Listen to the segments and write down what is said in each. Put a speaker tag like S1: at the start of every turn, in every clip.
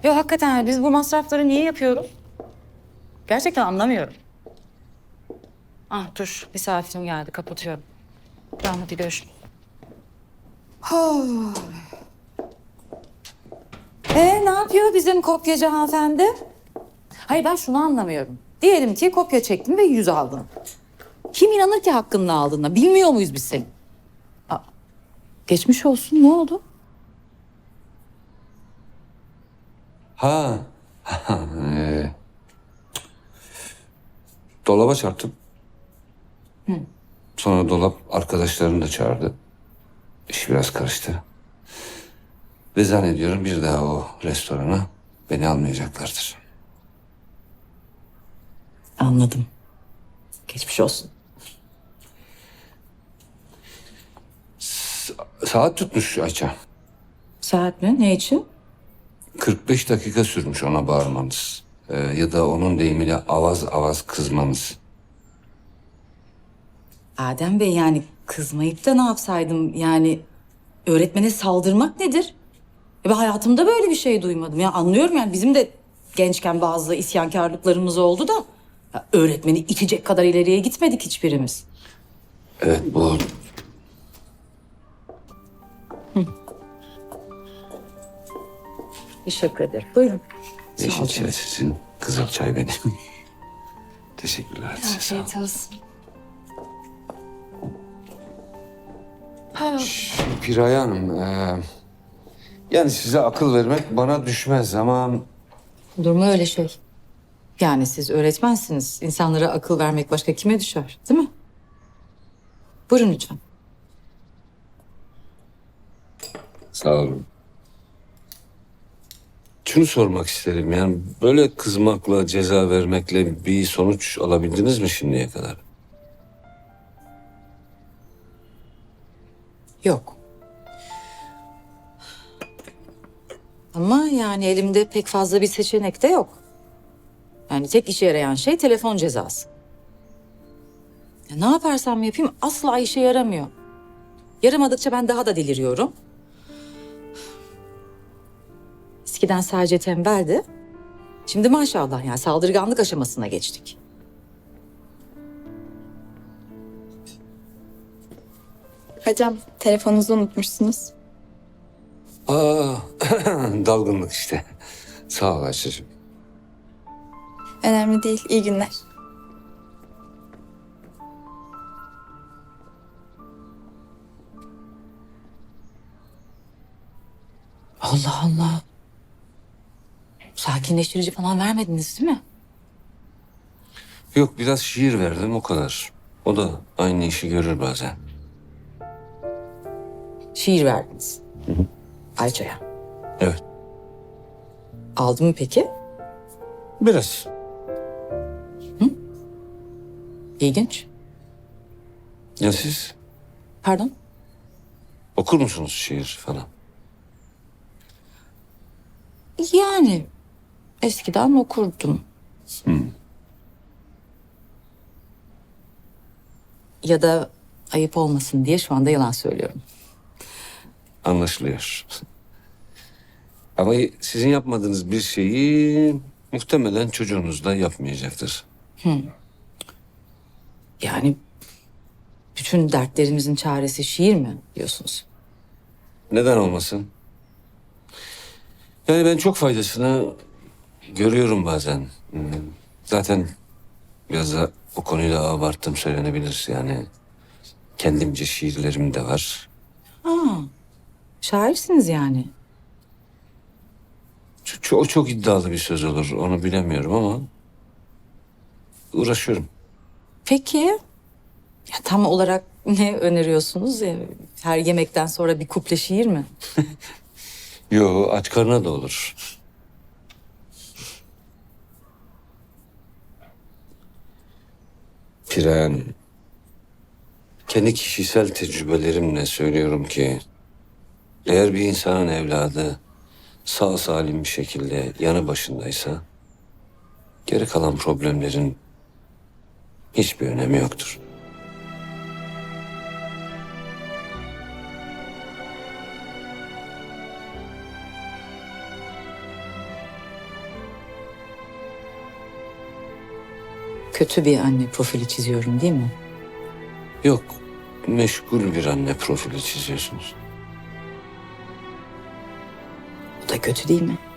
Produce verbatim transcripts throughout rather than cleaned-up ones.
S1: Yok hakikaten biz bu masrafları niye yapıyoruz? Gerçekten anlamıyorum. Ah dur misafirim geldi kapatıyorum. Tamam hadi görüşürüz. Ee ne yapıyor bizim kopyacı hanımefendi? Hayır ben şunu anlamıyorum. Diyelim ki kopya çektin ve yüz aldın. Kim inanır ki hakkını aldığına? Bilmiyor muyuz biz seni? Aa, geçmiş olsun ne oldu?
S2: Ha. ee, dolaba çarptım. Sonra dolap arkadaşlarını da çağırdı. İş biraz karıştı. Ve zannediyorum bir daha o restorana beni almayacaklardır.
S1: Anladım. Geçmiş olsun.
S2: Saat tutmuş Ayça.
S1: Saat mi? Ne için?
S2: kırk beş dakika sürmüş ona bağırmanız. Ee, ya da onun deyimiyle avaz avaz kızmanız.
S1: Adem Bey yani kızmayıp da ne yapsaydım yani öğretmene saldırmak nedir? E ben hayatımda böyle bir şey duymadım. Ya anlıyorum yani bizim de gençken bazı isyankarlıklarımız oldu da ya öğretmeni itecek kadar ileriye gitmedik hiçbirimiz.
S2: Evet bu
S1: Teşekkür ederim. Buyurun.
S2: yeşil çay sizin, kızıl çay benim. Teşekkürler. Size sağ olun.
S3: Afiyet olsun.
S2: Piraye Hanım, e, yani size akıl vermek bana düşmez ama
S1: Olur mu öyle şey? Yani siz öğretmensiniz. İnsanlara akıl vermek başka kime düşer, değil mi? Buyurun lütfen.
S2: sağ olun. Şunu sormak isterim yani böyle kızmakla, ceza vermekle bir sonuç alabildiniz mi şimdiye kadar?
S1: Yok. Ama yani elimde pek fazla bir seçenek de yok. Yani tek işe yarayan şey telefon cezası. Ya ne yaparsam yapayım asla işe yaramıyor. Yaramadıkça ben daha da deliriyorum. Eskiden sadece tembeldi. Şimdi maşallah yani saldırganlık aşamasına geçtik.
S3: Hocam telefonunuzu unutmuşsunuz.
S2: Aa, dalgınlık işte. Sağ ol Ayşe'cim.
S3: Önemli değil. İyi günler.
S1: Allah Allah. Sakinleştirici falan vermediniz değil mi?
S2: Yok biraz şiir verdim o kadar. O da aynı işi görür bazen.
S1: Şiir verdiniz. Ayça'ya.
S2: Evet.
S1: Aldı mı peki?
S2: Biraz.
S1: İlginç.
S2: Ya siz
S1: Pardon?
S2: okur musunuz şiir falan?
S1: Yani eskiden okurdum. Ya da ayıp olmasın diye şu anda yalan söylüyorum.
S2: Anlaşılıyor. Ama sizin yapmadığınız bir şeyi muhtemelen çocuğunuz da yapmayacaktır.
S1: Yani bütün dertlerimizin çaresi şiir mi diyorsunuz?
S2: Neden olmasın? Yani ben çok faydasını görüyorum bazen. Hmm, zaten biraz da o konuyu da abarttım söylenebilir. Yani kendimce şiirlerim de var.
S1: Ha, şairsiniz yani.
S2: Çok, çok, o çok iddialı bir söz olur. Onu bilemiyorum ama uğraşıyorum.
S1: Peki ya tam olarak ne öneriyorsunuz? Ya, her yemekten sonra bir kuple şiir mi?
S2: Yo aç karnına da olur. Piren, kendi kişisel tecrübelerimle söylüyorum ki eğer bir insanın evladı sağ salim bir şekilde yanı başındaysa geri kalan problemlerin hiçbir önemi yoktur.
S1: Kötü bir anne profili çiziyorum değil mi?
S2: Yok, meşgul bir anne profili çiziyorsunuz.
S1: Bu da kötü değil mi?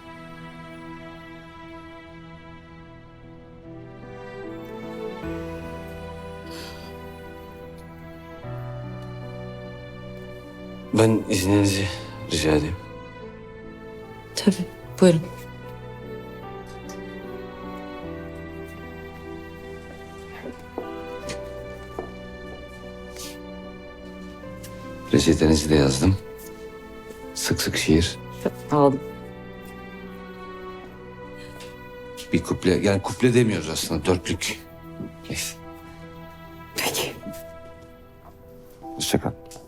S2: Ben izninizi rica edeyim.
S1: Tabii. Buyurun.
S2: Reçetenizi de yazdım. Sık sık şiir.
S1: Aldım.
S2: Bir kuple, yani kuple demiyoruz aslında, dörtlük. Neyse.
S1: Peki.
S2: Hoşça kal.